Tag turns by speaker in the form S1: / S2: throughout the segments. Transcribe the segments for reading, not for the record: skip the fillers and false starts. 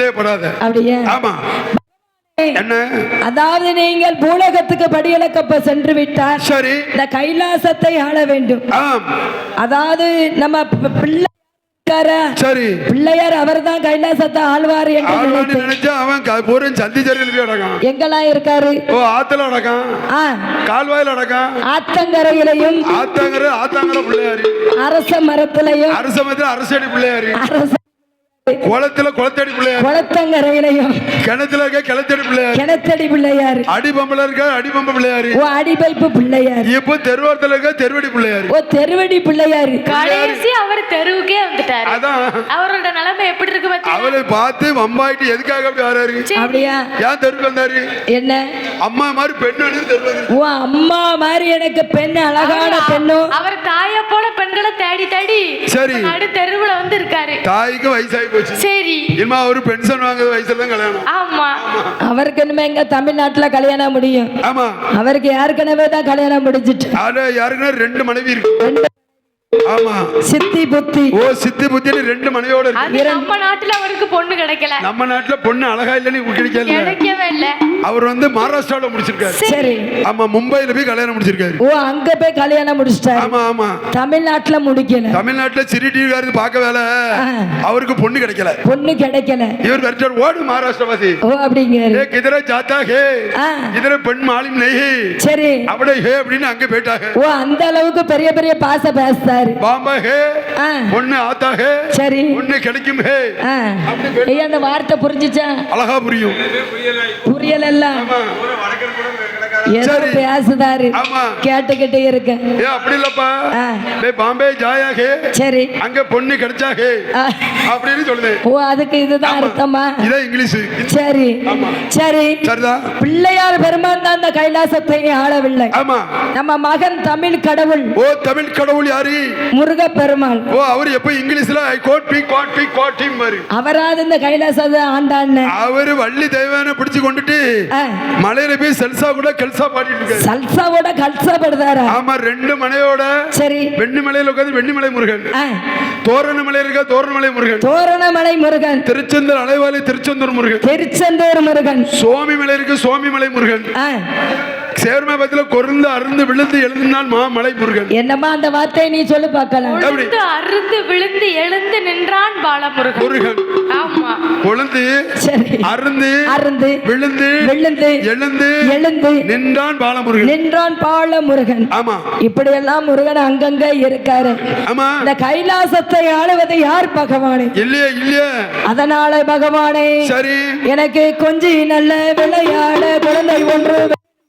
S1: கவலையப்படாத.
S2: அப்படியே.
S1: ஆமா. என்ன?
S2: அதாவது நீங்கள் பூலோகத்துக்கு படியளக்கப்ப சென்று விட்டார்.
S1: சரி.
S2: இந்த கைலாசத்தை ஆள வேண்டும். அதாவது நம்ம பிள்ளை
S1: சரி
S2: பிள்ளையார் அவர் தான் கைலாசத்தை ஆழ்வார் என்று
S1: நினைச்சா அவன் பூரம் சந்தி சரியில் அடக்கான்.
S2: எங்கெல்லாம் இருக்காரு?
S1: ஓ ஆத்துல அடக்கான், கால்வாயில் அடக்கான்,
S2: ஆத்தங்கரையிலையும்
S1: ஆத்தங்கர பிள்ளையாரு,
S2: அரச மரத்திலையும்,
S1: அரச மரத்துல அரசடி பிள்ளையாரு, குளத்துல குளத்தடி பிள்ளையார்,
S2: குளத்தங்கரையிலையும்
S1: கிணத்துல இருக்க கிளத்தடி பிள்ளையார்,
S2: கிணத்தடி பிள்ளையார்,
S1: அடிபம்பல இருக்க அடிபம்ப பிள்ளையாரு,
S2: ஓ அடிபைப்பு பிள்ளையார்,
S1: இப்போ தெருவோரத்துல இருக்க தெருவடி பிள்ளையாரு,
S2: ஓ தெருவடி பிள்ளையார்.
S3: கடைசி அவர் தெருவுக்கே வந்துட்டாரு.
S1: அதான்
S3: அவரோட நிலைமை எப்படி இருக்கு பாத்தீங்களா?
S1: அவளை பார்த்து வம்பாயிட்டு எதுக்காக அப்படி வராரு?
S2: அப்படியா?
S1: ஏன் தெருக்கு வந்தாரு?
S2: என்ன
S1: அம்மா மாதிரி பெண்ணு தெரு?
S2: ஓ அம்மா மாதிரி எனக்கு பெண், அழகான பெண்ணும்.
S3: அவர் தாயை போல பெண்களை தேடி தேடி
S1: சரி
S3: நடு தெருவுல வந்து இருக்காரு.
S1: தாய்க்கு வயசாகி
S3: சரி
S1: இனிமே அவரு பென்ஷன் வாங்குற வயசுல தான் கல்யாணம்.
S3: ஆமா.
S2: அவருக்கு இனிமே எங்க தமிழ்நாட்டுல கல்யாணம் முடியும்?
S1: ஆமா.
S2: அவருக்கு ஏற்கனவே தான் கல்யாணம் முடிஞ்சிட்டு.
S1: யாருக்குன்னா 2 மனைவி இருக்கு. ஆமா.
S2: சித்தி புத்தி.
S1: ஓ சித்தி புத்தி 2 மனைவியோட இருக்கு.
S3: நம்ம நாட்டுல அவருக்கு பொண்ணு கிடைக்கல.
S1: நம்ம நாட்டுல பொண்ணு அழகா இல்லன்னு
S3: கிடைக்கவே இல்ல.
S1: அவர் வந்து மகாராஷ்டிரால முடிச்சிருக்காரு.
S2: சரி.
S1: ஆமா மும்பைல போய் கல்யாணம் முடிச்சிருக்காரு.
S2: ஓ அங்க போய் கல்யாணம் முடிச்சிட்டாரு.
S1: ஆமா ஆமா.
S2: தமிழ்நாட்டுல முடிக்கல.
S1: தமிழ்நாட்டுல சிரிடிகாருக்கு பார்க்க வேலை அவருக்கு பொண்ணு கிடைக்கல.
S2: பொண்ணு கிடைக்கல.
S1: இவர் வெர்ச்சர் ஓடு மகாராஷ்டிரவாசி.
S2: ஓ அப்படிங்கறாரு.
S1: ஏ கிதர ஜாத்தா ஹே கிதர பெண் மாலிம் நஹி. சரி. அப்படியே ஹே அப்படினு அங்க போய்ட்டாங்க.
S2: ஓ அந்த அளவுக்கு பெரிய பெரிய பாச பேசுறாரு.
S1: பாம்பா ஹே பொண்ணு ஆத்தா ஹே. சரி. பொண்ணு கிடைக்கும் ஹே.
S2: ஏய் அந்த வார்த்தை புரிஞ்சுச்சா?
S1: அழகா புரியும்.
S2: புரியல. சரி பேசுதாரு. கேட்டுக்கிட்டே இருக்க.
S1: ஏ அப்படி இல்லப்பா. பே பாம்பே ஜாயா ஹே. சரி. அங்க பொண்ணு கிடைச்சா ஹே அப்படினு சொல்லுது. ஓ அதுக்கு இதுதான் அர்த்தமா? இது இங்கிலீஷ். சரி சரி. சரிதா. பிள்ளையார் பெருமான் தான் அந்த கைலாசத்தை ஆளவில்லை. ஆமா. நம்ம மகன் தமிழ் கடவுள். ஓ தமிழ் கடவுள் யாரு? முருக பெருமாள். ஓ அவர் எப்ப இங்கிலீஷ்ல I got be got be got him மாதிரி அவராது இந்த கைலாசத்தை ஆண்டான்னு அவரு வள்ளி தெய்வானை பிடிச்சு கொண்டுட்டு மலையில போய் செல்சா கூட கல்சா பாடிட்டு இருக்காரு. சல்சாவோட கல்சா பாடுறாரா? ஆமா 2 மலையோட. சரி. வெண்ணிமலையில உட்கார்ந்து வெண்ணிமலை முருகன், தோரணமலை இருக்க தோரணமலை முருகன், தோரணமலை முருகன், திருச்செந்தூர் அலைவாலி திருச்செந்தூர் முருகன், திருச்செந்தூர் முருகன், சுவாமிமலை இருக்கு சுவாமிமலை முருகன், சேர்மபத்துல கொருந்து அருந்து விழுந்து எழுந்தினால் மாமலை முருகன். என்னமா அந்த வார்த்தையை நீ சொல்லி பார்க்கலாம்.
S3: அருந்து விழுந்து எழுந்து நின்றான் பாலமுருகன். முருகன். ஆமா. கொழுந்து
S1: அருந்து அருந்து விழுந்து விழுந்து எழுந்து எழுந்து நின்றான் பாலமுருகன். நின்றான் பாலமுருகன். ஆமா. இப்படி எல்லாம் முருகன் அங்கங்க இருக்காரு. ஆமா. இந்த கைலாசத்தை ஆளுவது யார்? பகவானே. இல்லையே இல்லையே. அதனால பகவானே சரி எனக்கு கொஞ்சம் நல்ல விளையாட குழந்தை ஒன்று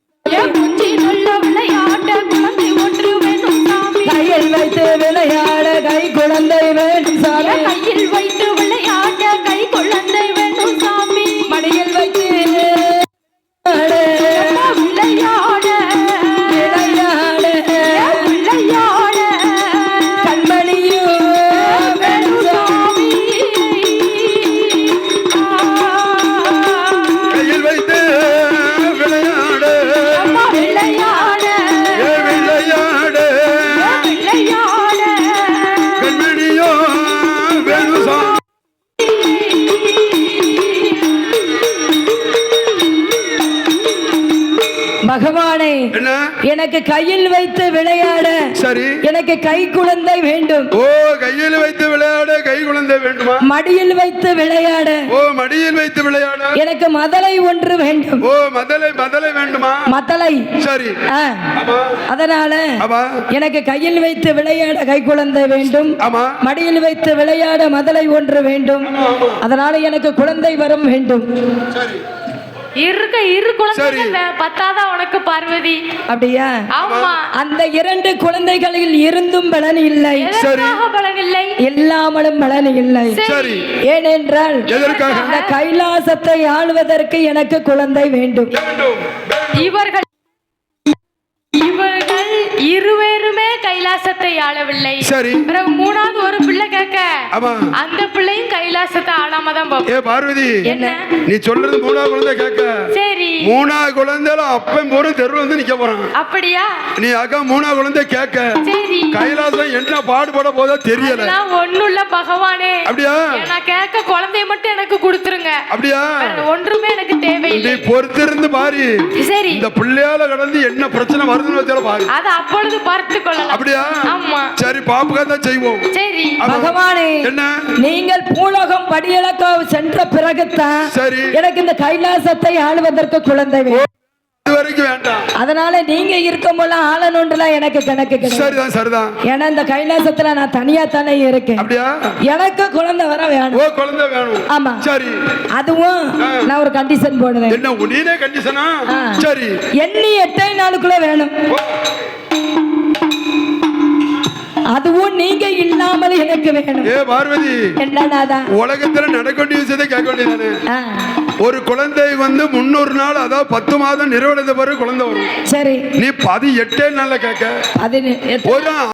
S1: கையில் வைத்து விளையாட கை குழந்தை வேண்டும் சாமி. கையில் வைத்து விளையாட கை குழந்தை வேண்டும் சாமி. மடியில் வைத்து விளையாட விளையாட விளையாட கண்மணியும் வேண்டும் சாமி. கையில் வைத்து விளையாட விளையாட விளையாட விளையாட கண்மணியோ வேண்டும் சாமி. பகவானே எனக்கு கையில் வைத்து விளையாட சரி எனக்கு கை குழந்தை வேண்டும். ஓ கையில் வைத்து விளையாட கை குழந்தை வேண்டுமா? மடியில் வைத்து விளையாட. ஓ மடியில் வைத்து விளையாட எனக்கு மதலை ஒன்று வேண்டும். ஓ மதலை மதலை வேண்டுமா? மதலை. சரி. அதனால எனக்கு கையில் வைத்து விளையாட கை குழந்தை வேண்டும். மடியில் வைத்து விளையாட மதலை ஒன்று வேண்டும். அதனால எனக்கு குழந்தை வரம் வேண்டும். சரி.
S3: இரு குழந்தைகள் பத்தாதான் உனக்கு பார்வதி. அப்படியா? ஆமா. அந்த
S2: 2 குழந்தைகளில் இருந்தும் பலன் இல்லை.
S3: பலன் இல்லை.
S2: எல்லாமலும் பலன் இல்லை. சரி. ஏனென்றால் இந்த கைலாசத்தை ஆளுவதற்கு எனக்கு குழந்தை வேண்டும். இவர்கள்
S3: இவர்கள் இருவருமே கைலாசத்தை ஆளவில்லை.
S1: சரி.
S3: பிறகு மூணாவது ஒரு பிள்ளை கேட்க
S1: ஆமா
S3: அந்த பிள்ளையும் கைலாசத்தை ஆளாம தான் போகும்.
S1: ஏ பார்வதி,
S3: என்ன
S1: நீ சொல்றது மூணாவது குழந்தை கேட்க.
S3: சரி.
S1: மூணாவது குழந்தைல அப்பன் போற தெருவில் வந்து நிக்க போறான்.
S3: அப்படியா?
S1: நீ அக்கா மூணாவது குழந்தை கேட்க.
S3: சரி.
S1: கைலாசம் என்ன பாடுபட போதா தெரியல.
S3: ஒண்ணுல்ல பகவானே.
S1: அப்படியா?
S3: நான் கேட்க குழந்தைய மட்டும் எனக்கு கொடுத்துருங்க.
S1: அப்படியா?
S3: ஒன்றுமே எனக்கு தேவையில்லை.
S1: நீ பொறுத்திருந்து பாரு. சரி. இந்த பிள்ளையால கடந்து என்ன பிரச்சனை வருதுன்னு வச்சால பாரு.
S3: அது அப்பொழுது பார்த்து கொள்ளலாம்.
S1: அப்படியா?
S3: ஆமா.
S1: சரி, பாப்புக்கா தான் செய்வோம்.
S3: சரி.
S2: பகவானே,
S1: என்ன
S2: நீங்கள் பூலோகம் படியளக்க சென்ற பிறகுதான்
S1: சரி
S2: எனக்கு இந்த கைலாசத்தை ஆளுவதற்கு குழந்தை வேணும்.
S1: வரைக்கும் வேண்டாம்.
S2: அதனால நீங்க இருக்கும்போது ஆளணுன்றலாம் எனக்கு கணக்கு கிடையாது.
S1: சரிதான் சரிதான்.
S2: ஏன்னா இந்த கைலாசத்துல நான் தனியா தானே இருக்கேன்.
S1: அப்படியா?
S2: எனக்கு குழந்தை வர வேணும்.
S1: ஓ, குழந்தை வேணும்.
S2: ஆமா.
S1: சரி.
S2: அதுவும் நான் ஒரு கண்டிஷன் போடுவேன்.
S1: என்ன நீனே கண்டிஷனா? சரி.
S2: எண்ணி 8 நாளுக்குள்ள வேணும். அதுவும் நீங்க இல்லாமல் எனக்கு வேணும்.
S1: ஏ பார்வதி,
S2: என்னடாதா
S1: உலகத்துல நடக்க வேண்டிய விஷயத்தை கேட்க வேண்டியதானே. ஒரு குழந்தை வந்து 300 நாள், அதாவது 10 மாதம் நிறைவடைந்த பிறகு குழந்தை வரும்.
S2: சரி.
S1: நீ 18 நாள்ல கேட்க.
S2: அது